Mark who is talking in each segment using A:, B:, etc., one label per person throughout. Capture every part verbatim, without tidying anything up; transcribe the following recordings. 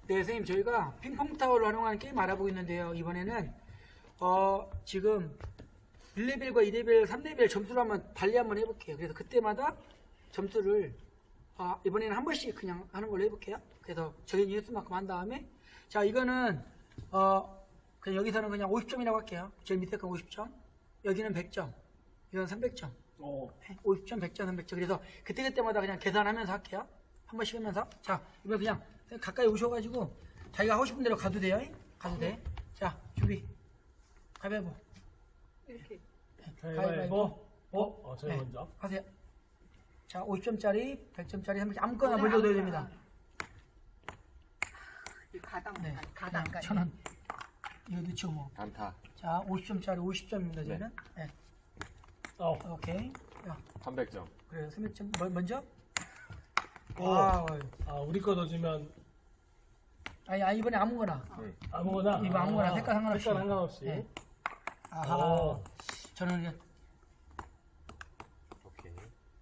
A: 네, 선생님 저희가 핑퐁 타워를 활용하는 게임 알아보고 있는데요. 이번에는 어, 지금 일 레벨과 이 레벨, 삼 레벨 점수를 한번 달리 한번 해볼게요. 그래서 그때마다 점수를 아, 이번에는 한 번씩 그냥 하는 걸로 해볼게요. 그래서 정해진 횟수만큼 한 다음에 자 이거는 어, 그냥 여기서는 그냥 오십 점이라고 할게요. 제일 밑에 건 오십 점, 여기는 백 점, 이건 삼백 점.
B: 오.
A: 오십 점, 백 점, 삼백 점. 그래서 그때그때마다 그냥 계산하면서 할게요. 한 번씩 하면서. 자, 이번 그냥 가까이 오셔가지고 자기가 하고 싶은 대로 가도 돼요. 가도 돼. 자, 준비. 가위바위보.
C: 이렇게.
B: 가위바위보. 어? 어, 저희
A: 네,
B: 먼저.
A: 하세요. 자, 오십 점짜리, 백 점짜리, 삼백 점 아무거나 먼저 넣어야 됩니다.
C: 이 가당,
A: 네,
C: 가당까지.
A: 천 원. 이거 넣죠 뭐.
D: 단타
A: 자, 오십 점짜리 오십 점입니다, 저희는. 네.
B: 어.
A: 오케이. 야,
D: 삼백 점.
A: 그래요. 삼백 점. 뭐, 먼저?
B: 오.
A: 아,
B: 아, 우리 거 넣어주면
A: 아니, 아니, 이번에 아무거나.
D: 응.
B: 아무거나.
A: 이거 아무거나 색깔 상관없이.
B: 색깔 상관없이.
A: 네. 아하.
B: 오.
A: 저는 이제
D: 오케이.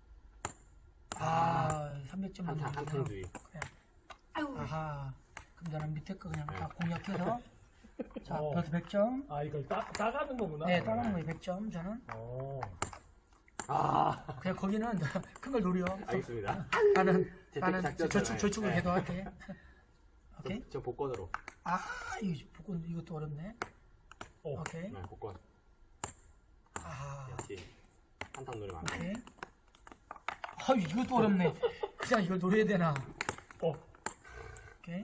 A: 아, 삼백 점
D: 한타 한탕주의.
C: 아유,
A: 아하. 그럼 나는 밑에 거 그냥 다 공략해서 자,
B: 어.
A: 여기서 백 점.
B: 아, 이걸 따, 따가는 거구나.
A: 네, 따라하는 거예요. 백 점 저는.
B: 오.
D: 아.
A: 그냥 거기는 큰 걸 노려.
D: 알겠습니다.
A: 나는
D: 재택
A: 나는
D: 작전
A: 저축
D: 전화해.
A: 저축을
D: 네.
A: 계속 할게. 오케이.
D: 저, 저 복권으로.
A: 아, 이거 복권 이것도 어렵네.
B: 오.
A: 오케이.
D: 네, 복권.
A: 아,
D: 역시 한탕 노래 많아.
A: 오케이. 아, 이것도 어렵네. 그냥 이걸 노려야 되나?
B: 어.
A: 오케이.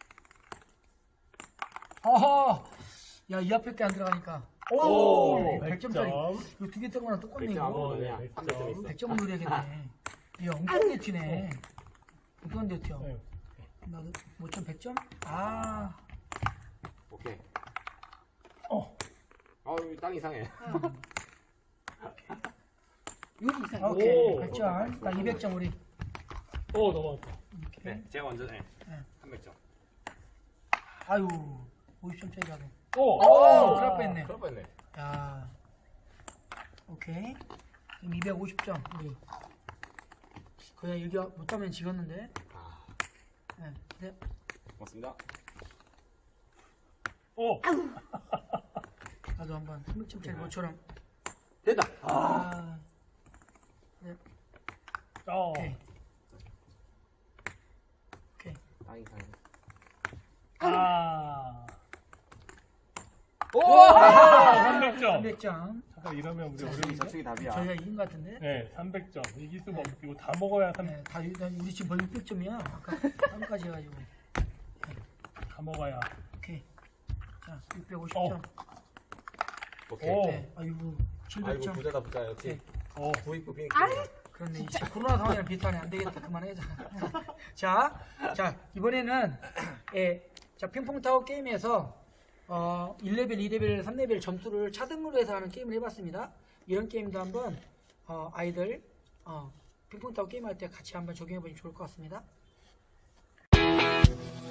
A: 어허! 야, 이 앞에 게 안 들어가니까. 오!
B: 백
A: 백 점짜리.
B: 점.
A: 이거 두 개 뜬 거랑 똑같네,
D: 백 점
A: 이거.
D: 아무거나
B: 네,
D: 그냥
B: 백
D: 삼백 점
B: 점.
D: 있어.
A: 백 점을 노려야겠네. 이거 엉뚱한 데 튀네. 엉뚱한 데 튀어.
B: 네.
A: 나도 오 점 백 점? 아.
D: 오케이.
B: 어.
D: 아, 여기 땅 이상해.
C: 요리 이상.
A: 오케이.
B: 오.
A: 백 점. 나 이백 점 우리.
B: 오, 넘어갔다.
A: 오케이.
D: 네, 제가 먼저 네.
A: 네.
D: 삼백 점.
A: 아유. 오십 점짜리라고.
B: 오.
A: 오, 그럴 뻔했네.
D: 그럴 뻔했네.
A: 야. 오케이. 지금 이백오십 점 우리. 그냥 여기 못하면 지겠는데.
D: 아,
A: 네. 네.
D: 고맙습니다.
B: 오.
A: 나도 한번 삼백 점짜리 모처럼.
D: 됐다.
A: 아. 네.
B: 어.
A: 오케이. 오케이.
D: 땅 이상해.
B: 아.
D: 오!
B: 삼백 점.
A: 삼백 점.
B: 잠깐 이러면 우리
D: 저축이
B: 어려운데?
D: 저축이 답이야.
A: 저희가 이긴 것 같은데.
B: 네, 삼백 점. 이길 수가 없고 이거 다 먹어야 삼
A: 네, 다 유- 우리 지금 거의 육백 점이야. 아까 삼까지 해가지고.
B: 다 먹어야.
A: 오케이. 자, 육백오십
B: 어.
A: 점.
D: 오케이.
B: 오.
A: 네. 아이고, 칠백
D: 아이고
A: 점.
D: 부자다 부자 역시.
A: 네.
B: 어.
D: 부익부 빙.
A: 그런데 이제 코로나 상황이랑 비슷하네. 안 되겠다. 그만하자. 자, 자 이번에는 예, 자 핑퐁 타워 게임에서 어, 일 레벨, 이 레벨, 삼 레벨 점수를 차등으로 해서 하는 게임을 해봤습니다. 이런 게임도 한번 어, 아이들 어, 핑퐁 타워 게임 할 때 같이 한번 적용해 보시면 좋을 것 같습니다.